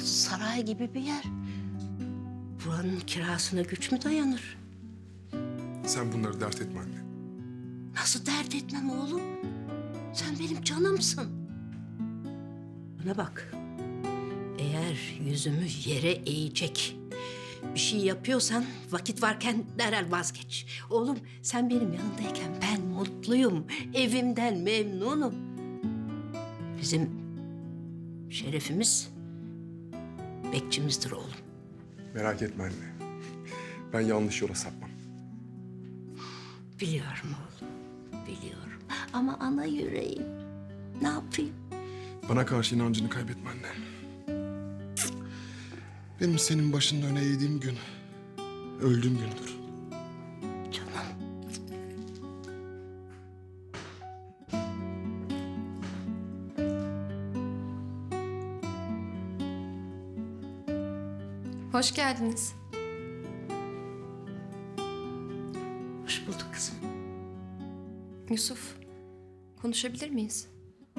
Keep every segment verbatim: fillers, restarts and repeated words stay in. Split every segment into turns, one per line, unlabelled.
saray gibi bir yer. Buranın kirasına güç mü dayanır?
Sen bunları dert etme anne.
Nasıl dert etmem oğlum? Sen benim canımsın. Bana bak. Eğer yüzümü yere eğecek bir şey yapıyorsan vakit varken derhal vazgeç. Oğlum sen benim yanındayken ben mutluyum. Evimden memnunum. Bizim şerefimiz bekçimizdir oğlum.
Merak etme anne. Ben yanlış yola sapmam.
Biliyorum oğlum, biliyorum. Ama ana yüreğim. Ne yapayım?
Bana karşı inancını kaybetme anne. Benim senin başının öne eğdiğim gün, öldüğüm gündür.
Canım.
Hoş geldiniz.
Hoş bulduk kızım.
Yusuf, konuşabilir miyiz?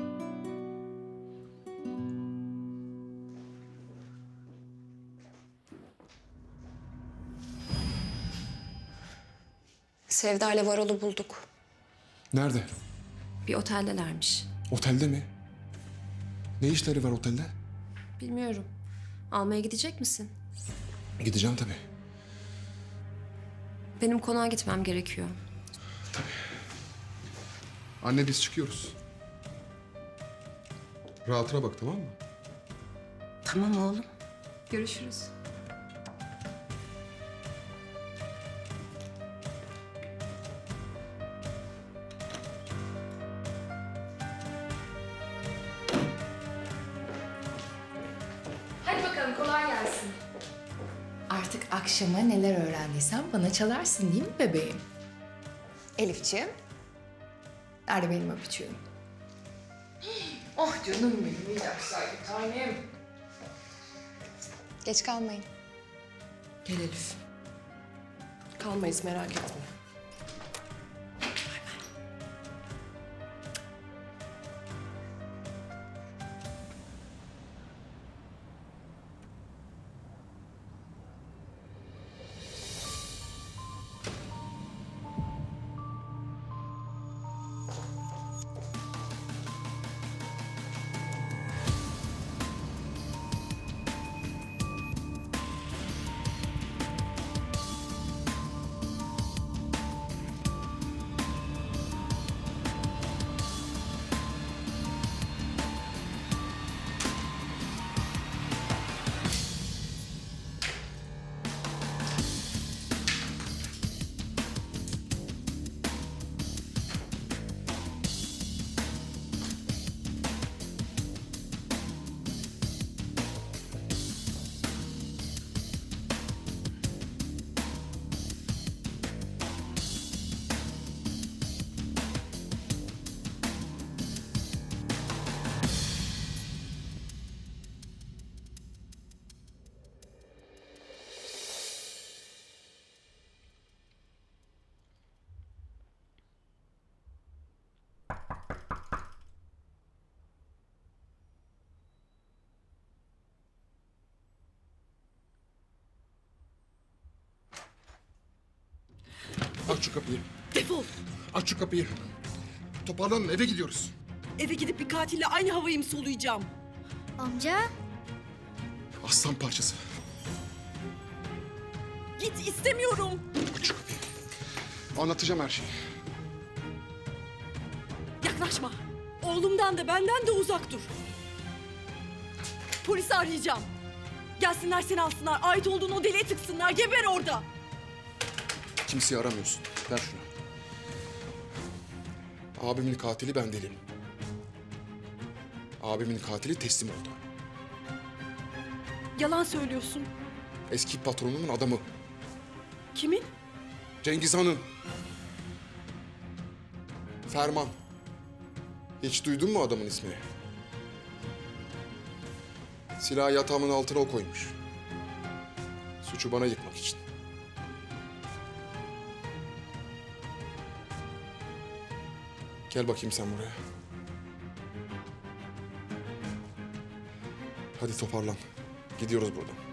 Sevda ile Varol'u bulduk.
Nerede?
Bir oteldelermiş.
Otelde mi? Ne işleri var otelde?
Bilmiyorum. Almaya gidecek misin?
Gideceğim tabii.
Benim konağa gitmem gerekiyor.
Anne biz çıkıyoruz. Rahatına bak, tamam mı?
Tamam oğlum.
Görüşürüz. Hadi bakalım, kolay gelsin.
Artık akşama neler öğrendiysen bana çalarsın değil mi bebeğim? Elifciğim. Nerede benim öpücüğüm? Oh canım benim, iyi dersler bir tanem. Geç kalmayın.
Gel Elif. Kalmayız, merak etme.
Aç şu kapıyı.
Defol.
Aç şu kapıyı. Toparlanın, eve gidiyoruz.
Eve gidip bir katille aynı havayı mı soluyacağım?
Amca,
Aslan parçası.
Git, istemiyorum.
Aç şu kapıyı. Anlatacağım her şeyi.
Yaklaşma. Oğlumdan da benden de uzak dur. Polisi arayacağım. Gelsinler seni alsınlar. Ait olduğun o deliğe tıksınlar. Geber orada.
Kimseyi aramıyorsun. Ver şunu. Abimin katili ben değilim. Abimin katili teslim oldu.
Yalan söylüyorsun.
Eski patronumun adamı.
Kimin?
Cengiz Han'ın. Ferman. Hiç duydun mu adamın ismini? Silahı yatağımın altına o koymuş. Suçu bana yıkmak için. Gel bakayım sen buraya. Hadi toparlan. Gidiyoruz buradan.